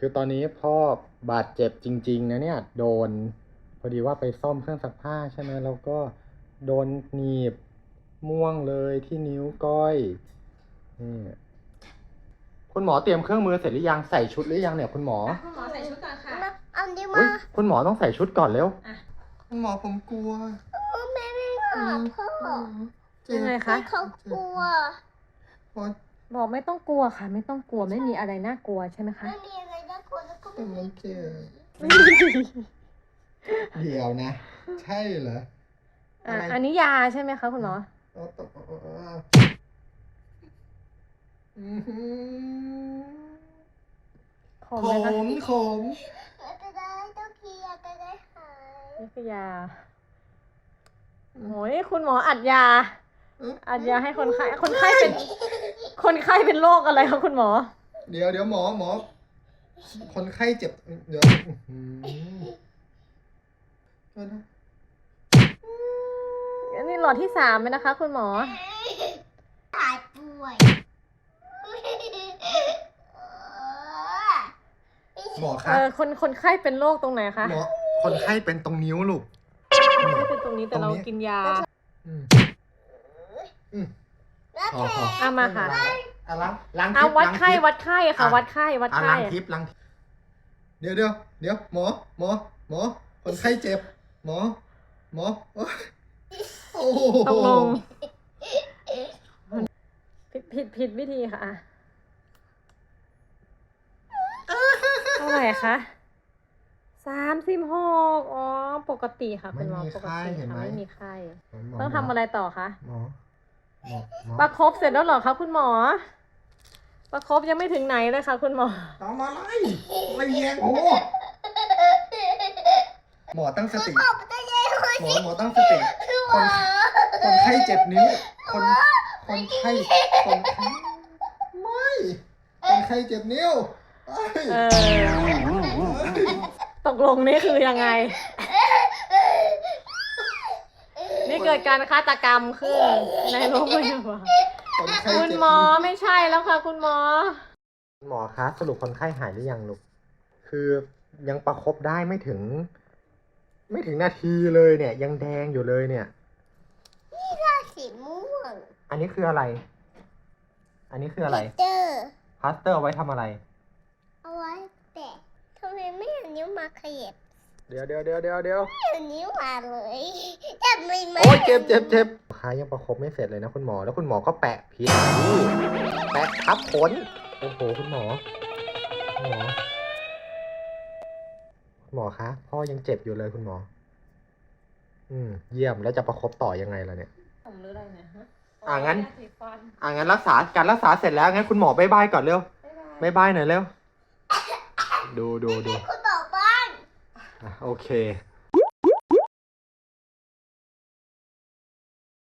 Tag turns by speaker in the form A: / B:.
A: คือตอนนี้พ่อบาดเจ็บจริงๆนะเนี่ยโดนพอดีว่าไปซ่อมเครื่องซักผ้าใช่ไหมแล้วก็โดนหนีบม่วงเลยที่นิ้วก้อยนี่คุณหมอเตรียมเครื่องมือเสร็จหรือยังใส่ชุดหรือยังเนี่ยคุณหมอ
B: คุณหมอใส่ชุดก่อนค่ะ
C: เอาดิ
A: อุ๊
C: มาย
A: คุณหมอต้องใส่ชุดก่อนเร็ว
D: คุณหมอผมกลัว
C: แม่ไม่หาพ่อ
B: ยังไงคะ
C: เขากลัว
D: เพราะ
B: บอกไม่ต้องกลัวค่ะ ไม่ต้องกลัวไม่มีอะไรน่ากลัวใช่ไหมคะ
C: ไม่มีอะไรน่ากลัวแล้วก็
D: แต่
C: ไม่
D: มัน
C: มี
D: เจ็บเดี๋ยวนะ ใช่เหรอ
B: อันนี้ยาใช่ไหมคะคุณหมอ
D: เอาตกอื้อหือ
B: ขม
D: ข
B: ไหมคะ
D: มขม
C: จะได้ต้องเคลียร์จะได้หาย
B: นี่คือยาโอ้ยคุณหมออัดยา อัดยาให้คนไข้คนไข้เป็นโรคอะไรคะคุณหมอ
D: เดี๋ยวหมอคนไข้เจ็บเดี๋ยวอื้อหือ
B: อันนี้หลอดที่3ไหมนะคะ คุณหมอ
C: หายป่วย
D: หมอคะ
B: คนไข้เป็นโรคตรงไหนคะ
D: หมอคนไข้เป็นตรงนิ้วลูก
B: คนไข้เป็นตรงนี้แต่เรากินยา
D: อืมอืม
C: แล้ว
D: พอ
C: แผล
B: เอามาค่ะ
D: อ่ะล้าง
B: เอา
D: ทิพย์
B: วัดไข้
D: ล้างทิพย์
B: วัดไข้ค่ะ วัดไข้วัด
D: อ่ะ
B: ไข้
D: ล้างทิพย์ล้างทิพย์เดี๋ยวหมอคนไข้เจ็บหมอโอ้โห
B: ตกลงผิดวิธีค่ะอะเท่าไหร่คะ36อ๋อปกติค่ะคุณหมอปกติค่ะไม่มีไข้ต้องทำอะไรต่อคะ
D: หมอ
B: ประคบเสร็จแล้วเหรอคะคุณหมอ ประคบยังไม่ถึงไหนเลยค่ะคุณหมอ
D: ทำอะไรแยงโอ้หมอตั้งสติ
C: ตบจะเย็นเลย
D: หมอตั้งสติคนไข้เจ็บนิ้วคนไข้ไม่คนไข้เจ็บนิ้วเอ้ย
B: ตกลงนี่คือยังไง นี่เกิดการฆาตกรรมขึ้นในโรงพยาบาล
D: คนไข้
B: คุณ
D: เจ็บ
B: หมอไม่ใช่แล้วค่ะคุณหมอ
A: คุณหมอคะสรุปคนไข้หายหรือยังลูกคือยังประคบได้ไม่ถึงนาทีเลยเนี่ย ยังแดงอยู่เลยเนี่ย
C: สีม่วง
A: อันนี้คืออะไร อันนี้คืออะไร
C: เจอ
A: พลาสเตอร์เอาไว้ทำอะไร
C: เอาไว้แตะทำไมไม่เอานิ้วมาขยับ
A: เดี๋ยว
C: ไม่เอานิ้วมาเลยจับไม่ไหม
A: โอ้ยเจ็บขายังประคบไม่เสร็จเลยนะคุณหมอแล้วคุณหมอก็แปะพิษนี่แปะทับขนโอ้โหคุณหมอคะพ่อยังเจ็บอยู่เลยคุณหมอเยี่ยมแล้วจะประคบต่อยังไงล่ะเนี่ย
B: ผมหรืออะไรเนี่ยฮะ
A: งั้น
B: ยาสีฟัน
A: งั้นการรักษาเสร็จแล้วงั้นคุณหมอบ๊ายบายก่อนเร็วบ๊ายบายหน่อยเร็วดู
C: คุณบอกบ้าน
A: โอเค